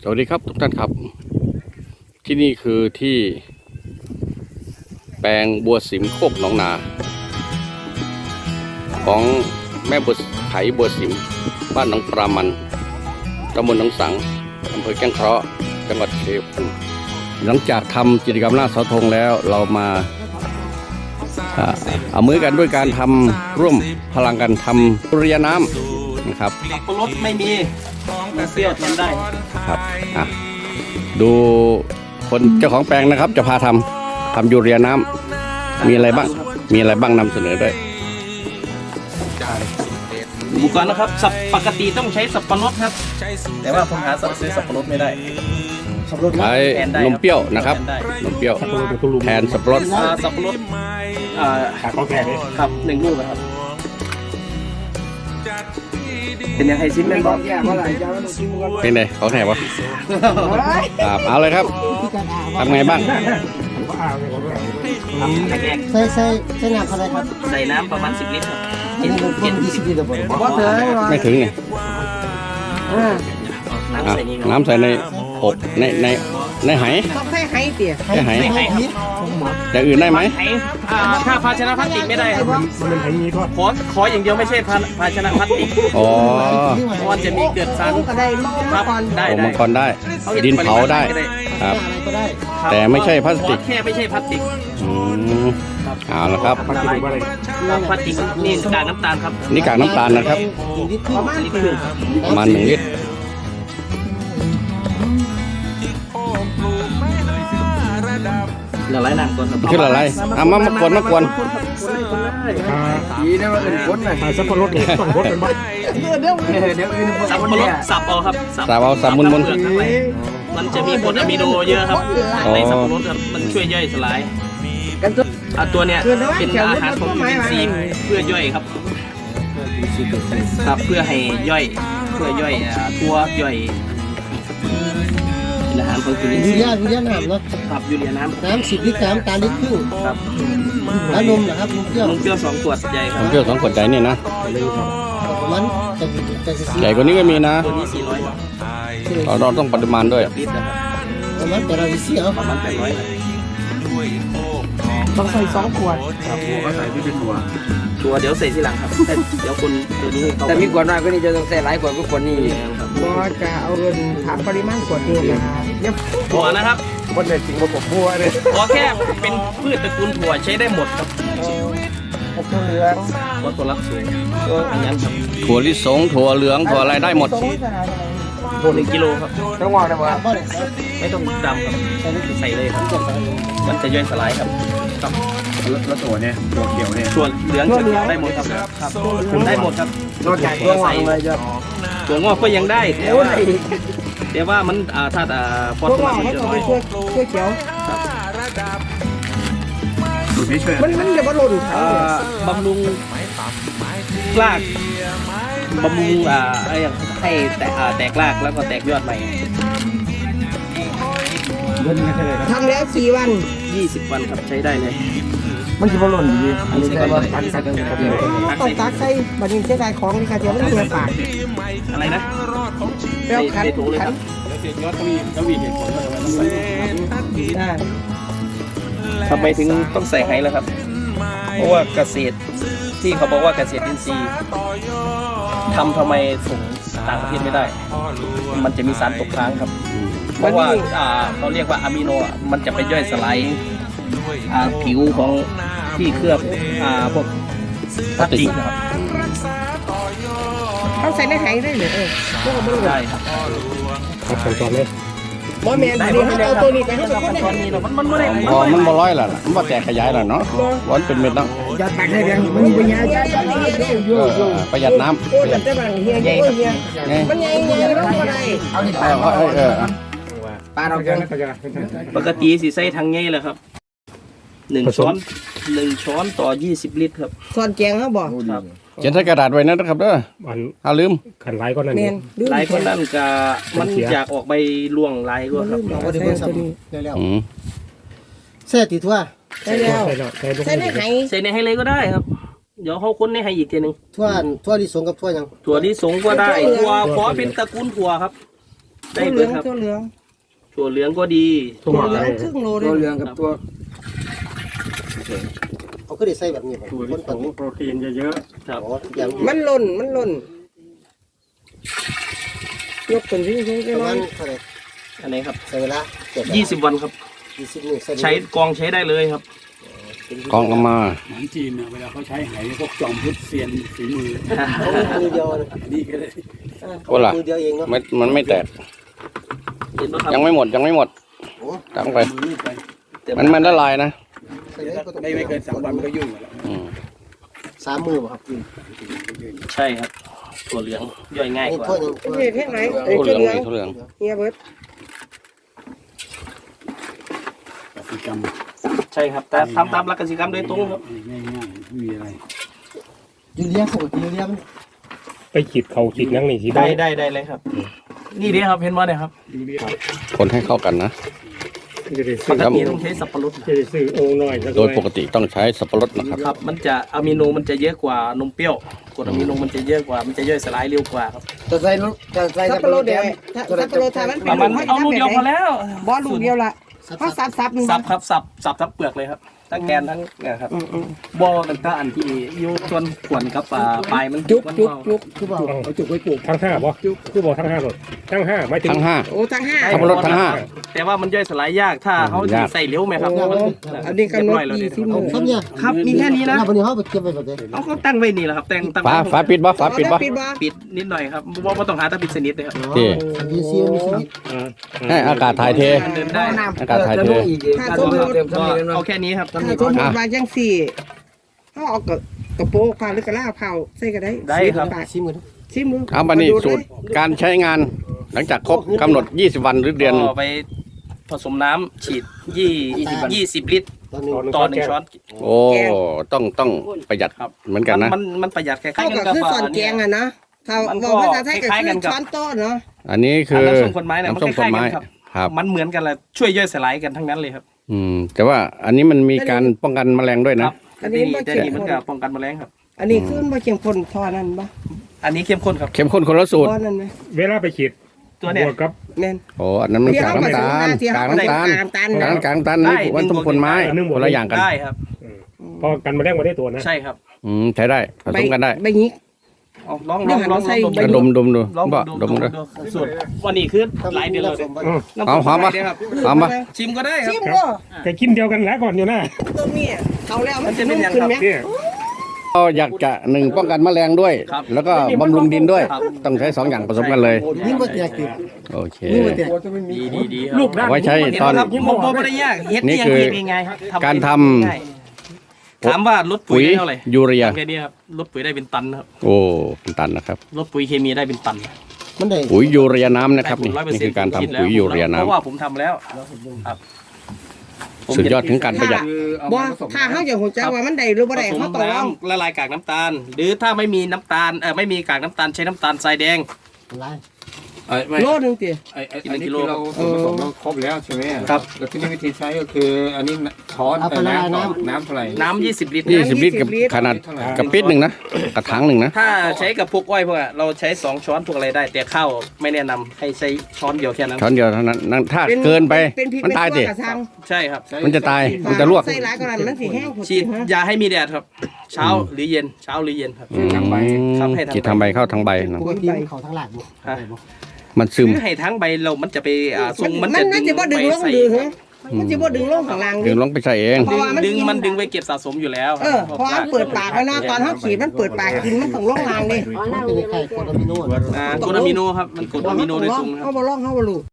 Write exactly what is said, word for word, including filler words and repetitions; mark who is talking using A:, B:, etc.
A: วัสดีครับทุกท่านครับที่นี่คือที่แปลงบัวสิมโคกหนองนาของแม่บัวไขบัวสิมบ้านหนองปรามันตำบลหนองสังอำเภอแก้งเคราะห์จังหวัดชัยภูมิหลังจากทำกิจกรรมหน้าเสาธงแล้วเรามาเอามือกันด้วยการทำร่วมพลังกันทำตุเรียน้ำนะครับ
B: สับปะรดไม่มีเปรี้ยวทำได้
A: ครับอ่ะดูคนเจ้าของแปลงนะครับจะพาทำทำยูเรียน้ำมีอะไรบ้างมีอะไรบ้างนำเสนอด้วย
B: อุปกรณ์นะครับสับปกติต้องใช้สับปะรดครับแต่ว่าผมหาสั่งซื้อสับปะรดไม่ได้
A: ใช้นมเปรี้ยวนะครับนมเปรี้ยวแทนสับปะรด
B: สับปะรด
C: ขาข้าวแก่เลย
B: ครับหนึ่งลูกนะครับเป็นยังไงซิมเป็นบอล
A: เป็นไงเขาแถบวะครับเอาเลยครับทำไงบ้าง
D: ใส่ใส่ใส่น้ำอะไรครับ
B: ใส่น้ำประมาณสิบลิตรครับ
D: เจ็ดเจ็ดยี่สิบลิตรบ่ถึง
A: ไม่ถึงไงน้ำใส่ในอบในในในไห
D: ต้องใส่ไหเตี๋ย
A: ในไหแต่อื่นได้ไหม
B: ถ้าภาชนะพลาสติกไม่ได้
C: มันเป็นไผ่นี้ทอด
B: ขอขออย่างเดียวไม่ใช่ภาชนะพลาสติก
A: อ๋อ
B: มันจะมีเกิดสาร
D: ครับ
B: ได้
A: มังกรได้ดินเผาได้ครับแต่ไม่ใช่พลาสติก
B: แค่ไม่ใช่พลาสติก
A: อืมเอาละครับ
B: พลาสติกพลาสติกนี่กากน้ำตาลครับ
A: นี่กากน้ำตาลนะครับประมาณหนึ่งลิตร
B: ละลายน้ำก่อนครับ
A: คือละลายอ่ะมามากวนมากวน
C: ดีนะว่าเป็นคนน่ะสับปะรดเนี่ยต้องรดเป็นบ้า
B: เดี๋ยวเดี๋ยวอื่นสับปะรดสับเอาครับ
A: สับเอาสับมุนมุน
B: มันจะมีกรดอะมิโนเยอะครับในสับปะรดครับมันช่วยย่อยสลายตัวเนี้ยเป็นอาหารของวิตามินซีเพื่อย่อยครับครับเพื่อให้ย่อยเพื่อย่อยตัวย่อยอาหารของวิตามินซี
D: ยูเรียยูเรียน้ำเนาะ
B: ครับยูเรียน้ำ
D: น้ำสิบลิตรน้ำตาลลิตรครึ่ง
B: ครับ
D: แล้วนมนะครับนมเปรี้ยวน
B: มเปรี้ยวสองขวดใหญ่ครับ
A: นมเปรี้ยวสองขวดใหญ่นี่นะ
D: มันจะจะ
A: ใหญ่กว่านี้ก็มีนะ
B: ตัวนี้สี่ร้อย
A: เราต้องปริมาณด้วย
D: ประมาณแต่เราจะเสีย
B: ประมาณแปดร้อย
D: ต้องใส่สองขวด
C: ครับหัวก็ใส่ที่เป็นหัว
B: ตัวเดี๋ยวใส่ทีหลังครับเดี๋ยวคนตัวนี้
E: แต่มีขวดน้อยก็นี่จะต้องใส่หลายขวดก็ขวดนี้
D: ก็จะเอาเงินถามปริมาณขวดเองนะ
B: เดี๋ยวถั่วนะครับ
C: คนเด็ดจริงมาผมบัวเลย
B: ขอแค่เป็นพืชตระกูลถั่วใช้ได้หมดครับ
D: ถั่วเหลือง
B: วัตถุลักษณ์สูงอย่างนั้นครับ
A: ถั่วลิสงถั่วเหลืองถั่วอะไรได้หมด
B: ถั่วหนึ่งกิโลครับ
E: ต้องวางได้ป่ะ
B: ไม่ต้องดำครับใส่เลยครับมันจะย่อยสลายครับครับ
C: แล้วถั่วเนี่ยถั่วเขียวเนี่ย
B: ถั่วเหลืองได้หมดครับครับได้หมดครับ
E: นอกจากตัวใส่
B: ถั่วงอกก็ยังได้แต่ว่าแต่ว่ามันอ่าถ้าอ่าพอตัวมันจะน้อย
D: ช่วยช่วยเขียวมันมันจะบำรุง
B: บำรุงรากบำรุงอ่าอะไรอย่างให้แตกแตกรากแล้วก็แตกยอดใหม่
D: ทำแล้วกี่วัน
B: ยี่สิบวันครับใช้ได้เลย
E: มันจะบำรุงดี
B: อันนี้ใช้ได้ตักใส่
D: ต้องตักใส่บัดนี้เสียดายของนี่ค่ะเดี๋ยวมันเสียปาก
B: อะไรนะ
D: เปรี้ยวขันขัน
C: ยอดทวีทวีเห็นผลว่าทำไม
B: ได้ทำไมถึงต้องใส่ไฮล่ะครับเพราะว่าเกษตรที่เขาบอกว่าเกษตรอินทรีย์ทำทำไมส่งต่างประเทศไม่ได้มันจะมีสารตกค้างครับเพราะว่าเขาเรียกว่าอะมิโนมันจะไปย่อยสลายผิวของที่เคลือบพวกพลาสติกนะครับ
D: เขาใส่ในไหได้เลยเออพวกมัน
B: ได้ครับ
C: ใส่ก่อนเลย
D: บ่แม่นนี่เขาเอาตัวนี้ไปให้มันคน
B: นี้มันมันไม่ได้
A: อ๋อมันบ่ร้อยแล้วล่ะมันบ่แตกขยายแล้วเนาะวันเป็นเม็ดเนาะ
D: อย่าตักให้แรงมันมีปัญญา
A: ประหยัดน้ำ
D: โอ้แต่แต่บางเฮียเฮียเฮียมันใหญ่ใหญ่แล้วก็ได้
E: เอาที่ปลา
A: เออ
E: ปลาเราเกิน
B: ปกติสีใส่ทางไงเลยครับหนึ่งช้อนหนึ่งช้อนต่อยี่สิบลิตรครับ
D: ช้อนแกงเขาบอก
B: ครับ
A: เขียนใส่กระดาษไว้นะครับเด้อถ้าลืม
C: ขันลายก็นั่น
B: ลายก็นั่นกะมันอยากออกใบล่วงลายก็ครับ
D: เส้ติดทั่ว
B: ใช่แล้วใส่ในไหใส่ในให้เลยก็ได้ครับเดี๋ยวเขาค้นในให้อีกทีหนึ่ง
D: ทั่วทั่วที่สงกับทั่วยัง
B: ถั่วที่สงก็ได้ถั่วขอเป็นตระกูลถั่วครับได้
D: ตัวเห
B: เล
D: ลื
B: ย
D: อง
B: ครับ
D: ตัวเหลือง
B: ถั่วเหลืองก็ดี
C: ทั่ว
D: ตัวเหลื
C: เล
D: อง
C: ย
D: ครึ่งโลเล
E: ตัวย เหลืองกับตัว
F: เขาก็ได้ใส่แบบนี้ผม
C: ถั่ว
F: ค
C: ลิ
F: น
C: ส
F: ตัด
C: งโปรตีนเยอะ
B: ครับ
F: อ๋ออย่าง
D: มันหล่นมันหล่นยกเป็นวิ่งวิ่ง
F: ป
D: ก็
F: ระ
D: ร้
F: มา
D: อ
F: ณ
D: น
F: เท่าไหร่
B: อันไหนครับ
F: ใส่เวลาเจ็ด
B: ยี่สิบวันครับ
F: ยี่สิบนี่ใส่
B: ใช้กองใช้ได้เลยครับ
A: กองเอามา
C: ๆหนังจีนเนี่ยเวลาเขาใช้ไหพวกจอมพุทธเซียนฝีมือ
F: เขามือเดียวนะ
C: นี่ก็เลย
A: ก็ล่ะ
F: มือเดียวเองเนาะ
A: ไม่มันไม่แตก
B: เห็นไหมครับ
A: ยังไม่หมดยังไม่หมด
F: โอ้
A: ตั้งไป
C: มือไป
A: มันมันละลายนะ
F: ใส่ได้ก็ต้อง
C: ไม่ไม่เกินสามวันมันก็ยุ่งแล้ว
A: อืม
F: สามมือป่ะครับ
B: ใช่ครับถั่วเหลืองย่อยง่าย
F: นี่
B: กว่า
F: ถ้วยหนึง
D: เฮ็ดให้ไหนไอ้
A: ทุ
D: ตัว
A: เรือง
D: เหลือง
A: นี่ทุเรือง
D: เฮียเบิร์ด
C: กสิกรรม
B: ใช่ครับแต่ทำตามหลักกสิกรรมโดยตรงครับ
C: ง่ายๆไม่มีอะไร
F: ยูเรียปกติยูเรียมัน
C: ไปขีดเขาขีดนั่งนี่ขีด
B: ได้
C: ได้
B: ได้ได้เลยครับ นี่ดีครับเห็นว่าเนี่ยครับ
C: ดูดิ
A: คนให้เข้ากันนะ
C: จะได้
B: ป
C: ซื้อก
B: ติต้องใช้สับปะรด
C: จะได้ซื้อโอ่งน้อยสักห
A: โด
C: น่
A: ย
C: อย
A: ปกติต้องใช้สับปะรดนะครับ
B: ครับ มันจะอะมิโนมันจะเยอะกว่านมเปรี้ยวกรดอะมิโนมันจะเยอะกว่ามันจะย่อยสลายเร็วกว่าครับ
E: จะใส่ลูกจะใส่
D: ซับปะโรดเดียวถ้าซับปะโรดถ้ามันเป็น
B: มันเอาลูกเดียวพอแล้ว
D: บอลลูกเดียวละเพราะซับซับหนึ่ง
B: สับครับสับสับทั้งเปลือกเลยครับทั้งแกนทั้งเนี่ยครับ
D: อืมอืม
B: บอต่างๆอันที่อยู่ส่วนขวนกับอ่าปลายมัน
D: จุก
B: มัน
D: จุก
B: เบา
D: จุก
F: คือบอก
C: เอาจุกไว้ปลูกทั้งห้าบ่คือบอกทั้งห้าหมดทั้งห้าไม่ถึง
A: ทั้งห้า
D: โอ้ทั้งห้า
A: สับปะรดทั้งห้า
B: แต่ว่ามันย่อยสลายยากถ้าเขา
A: ยาก
B: ใส่เหลวไหมครับ
D: โอ้
B: มัน
D: อันนี้กำหนด
B: เรียบร้อยแล้ว
D: ยี่
B: เนี่ย
D: สิบ
F: เอา
D: มื้อ
F: ครับเนี่ย
B: ครับมีแค่นี้นะ
F: แล้ววันนี้เขาไปเก็บไว้แบบนี้
B: เอาเขาตั้งไว้นี่แหละครับตั้งตั้ง
A: ฝา
B: ไว้
A: ฝาปิดบ่ฝาปิดบ่
D: ปิดบ่
B: ปิดนิดหน่อยครับว่าว่าต้องหาตะปิดสนิทเลยครับ
A: ที่
F: ยูซีมีชีวิต
C: อ่า
A: ให้อากาศถ่ายเท
B: มันเดินได้
A: อากาศถ่ายเท
E: อีกการเติม
B: ก็
E: ซ้ำนี่กัน
B: เอา
E: เนาะ
B: แค่นี้ครับ
D: ถ้าสมมติว่าจังสี่เขาเอากระกระโปรงผ้าหรือกระลาเผาใส่ก็ได้
B: ได้ครับ
F: ชิมกัน
D: ชิมดู
A: เอามานี่สูตรการใช้งานหลังจากครบกำหนดยี่สิบวันหรือเดือนหนึ่ง
B: ก็ไปผสมน้ำฉีดยี่ยี่สิบลิตร
F: ตอนนี้
B: ต่อหนึ่งช้อน
A: โอ้ต้องต้องประหยัด
B: ครับ
A: เหมือนกันนะ
B: มันมันประหยัดแค่
D: เข้ากับคือส่วนแกงอ่ะเนาะถ้าบอกภาษาไทยก็คือช้อนโต๊ะเนาะ
A: อันนี้คือ
B: น้ำส้มคนไม้เนี่ยมัน
A: น้ำส้ม
B: ค
A: คน
B: ล้ายๆ
A: ไม้
B: กันครับ
A: ครับ
B: มันเหมือนกันแหละช่วยย่อยสลายกันทั้งนั้นเลยครับ
A: อืมแต่ว่าอันนี้มันมีการป้องกันแมลงด้วย
B: ค
A: นะ
B: รับอันนี้แต่นี่มันก็ป้องกันแมลงครับ
D: อันนี้คือบ่เข้มข้นทอนั่นบ่
B: อันนี้เข้มข้นครับ
A: เข้มข้นคนละสูตร
D: บ่นั่นไหม
C: เวลาไปขีด
B: ตัวเนี่ย
C: บวกกับ
D: แม่น
A: โอ้อันนั้นมันกากน้ำตาล
D: ที่
A: กา
D: เฮาก
A: น้ำตาล
D: กากน้ำตาล
A: กากกากน้ำตาลนี่วันต้มคนไม้คนละอย่างกัน
B: ได้ครับ
C: พอกันมาแรกมาได้ตัวนะ
B: ใช่ครับ
A: อืมใช้ได้ผสมกันได้
D: ใบหยิก
B: เอาลองล
D: เดี๋
B: อ
D: ยว
B: งลอง
D: ใส่
B: ลอง
A: กระดมดมดู
B: ลอง
A: บ่
B: ดู
A: ดมดู
B: ดูสูตรวันนี้คือหลายเดือนแล้วเนี่ย
A: เอาหอมปะ
B: ครับ
A: หอมปะ
B: ชิมก็ได้ครับ
D: ชิมบ่
C: ก็กินเดียวกันแล้วก่อนอยู่นะ
D: ตัวนี้เอาแล้ว
B: มันจะเป็นยัง
D: ขึ้น
B: ครับ
D: ไหม
C: เนี่ย
A: เราอยากจะหนึ่งป้องกันแมลงด้วย
B: ครับ
A: แล้วก็บำรุงดินด้วย
B: ครับ
A: ต้องใช้สองอย่างผสมกันเลย
F: ยิ่งกว่าแตกติด
A: โอเค
F: ยิ่งกว่าแตก
B: ดีดีดี
C: ลูกด้าน
A: เอาไว้ใช้ตอน
B: ครับผมบอกไม่ได้ยากเฮ็ด
A: นี่
B: นี่
A: คือ
B: ยังง่ายๆครับ
A: การทำ
B: ง่ายถามว่าลดปุ๋
A: ปุ๋
B: ย
A: ย
B: ได้เท่าไหร่
A: ยูเรีย
B: แค่นี้ครับลดปุ๋ยได้เป็นตันครับ
A: โอ้เป็นตันนะครับ
B: ลดปุ๋ยเคมีได้เป็นตัน
F: มันได้
A: ปุ๋ยยูเรียน้ำนะครับ
B: ได้
A: นี่
B: ผลร้อยเปอร์
A: นี่
B: เซ็น
A: คือ
B: ต์
A: การทำ
B: คิดแล้ว
A: ปุ๋ยยูเรีย
B: เพราะ
A: น้ำ
B: ว่าผมทำแล้วครับผม
A: สุดยอดถึงการประหยัด
D: บ่ถ้าเฮาอยากฮู้จักว่ามันได้หรือบ่ได้
B: ผส
D: เฮาม ต้องลอง
B: น้ำละลายกากน้ำตาล หรือถ้าไม่มีน้ำตาลเออไม่มีกากน้ำตาลใช้น้ำตาลทรายแดง
F: ไร
E: ไอ้ไม่
D: โลนึงติ
E: ไอ้ไอ้
B: กินหนึ่
E: อัน
B: ง
E: นี้
B: กิโล
E: คือเราส่วนผสมเราครบแล้วใช่ไหม
B: ครับ
E: แล้วที่นี่วิธีใช้ก็คืออันนี้ช้อน
F: เอาไปละลายน้ำ
E: น้ำเท่าไหร่
B: น้ำยี่สิบลิตร
A: ยี่สิบลิตรกับขนาด
E: เท่าไหร่
A: กระปิดหนึ่งนะกระถางหนึ่งนะ
B: ถ้าใช้กับพวกอ้อยพวกอะเราใช้สองช้อนพวกอะไรได้ แต่ข้าวไม่แนะนำให้ใช้ช้อนเดียวแค่นั้น
A: ช้อนเดียวเท่านั้นนั่นถ้าเกินไป
D: เป็นพริก
A: มันตายดิ
D: กระชัง
B: ใช่ครับ
A: มันจะตายมันจะลวก
D: ใส่หลายกว่านั้นมันสิแห้งพุ่น
B: ฉีด
D: ฮะ
B: ยาให้มีแดดครับ เช้าหรือเย็นเช้าหรือเย็นครับ
A: อืม
B: ครับให้ทำใบ
A: ฉีดทำใบเข้าทางใบนะ
F: ปกติมันเขาทั้งหลัก
B: ฮะ
A: มันซึม
B: คือให้ทั้งใบเรามันจะไปอ่าทรง
D: มั
B: มัน น
D: มั
B: จะ
D: นมันสิบ่ดึงลง
B: ใส่
D: ดึงฮะมันสิบ่ดึงลงข้างล่าง
A: ดึ
D: ดิ
A: งลงไปใส่เอง
D: เพราะว่ามัน
B: ดึง
D: กิน
B: มันดึงไว้เก็บสะสมอยู่แล้ว
D: เออเพราะว่ามันเปิดปากแล้วเนาะตอนเฮาขีดมันเปิดปากกินมันต้องลงล่างดิ
F: มันเป็นไข่โคตรอะมิโน
B: อ่ากรดอะมิโนครับมันกรดอะมิโนโดยตรงนะค
D: เฮา
B: รับ
D: บ่ลองเฮาบ่รู้